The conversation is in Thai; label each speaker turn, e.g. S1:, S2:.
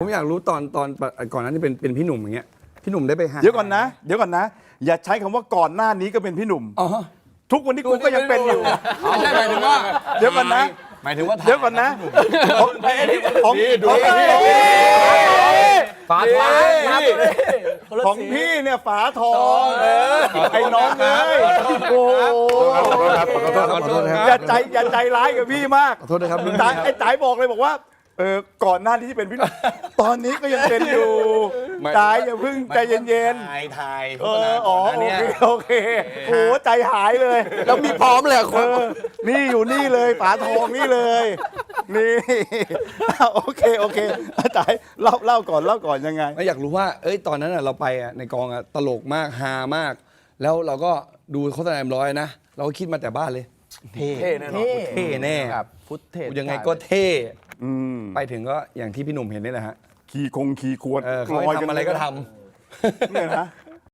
S1: ผมอยากรู้ตอนก่อนหน้านี้เป็นพี่หนุ่มอย่างเงี้ยพี่หนุ่มได้ไปหา
S2: เดี๋ยวก่อนนะ อย่าใช้คำว่าก่อนหน้านี้ก็เป็นพี่หนุ่ม
S1: อ๋อ
S2: ทุกวันนี้กูก็ยังเป็นอยู่
S1: ไม่ใช่หมายถึงว่า
S2: เดี๋ยวก่อนนะ
S1: หมายถึงว่า
S2: เดี๋ยวก่อนนะฝาทองของพี่เนี่ยฝาทองไอ้น้องเลยโอ้อย่าใจร้ายกับพี่มาก
S1: ขอโทษนะครับรุ่น
S2: จ๋า
S1: พี่ครับ
S2: ไอ้จ๋าบอกเลยบอกว่าก่อนหน้าที่เป็นพี่ตอนนี้ก็ยังเป็นอยู่จ๋าอย่าเพิ่งใจเย็นๆ
S1: ถ่าย
S2: อ๋อโอเคโอ้ใจหายเลย
S1: แล้วมีพร้อมเลยคน
S2: นี่อยู่นี่เลยฝาทองนี่เลยนี่โอเคอาจารย์เล่าก่อนยังไง
S1: ไม่อยากรู้ว่าตอนนั้นเราไปในกองตลกมากฮามาก แล้วเราก็ดูโฆษณาM100นะเราก็คิดมาแต่บ้านเลยเท่แน่นอนเท่แน่
S3: ฟุตเทจ
S1: ยังไงก็เท่ไปถึงก็อย่างที่พี่หนุ่มเห็นนี่แหละฮะ
S2: ขี่ควร
S1: เขาให้ทำอะไรก็ทำ
S2: เนี่ยนะ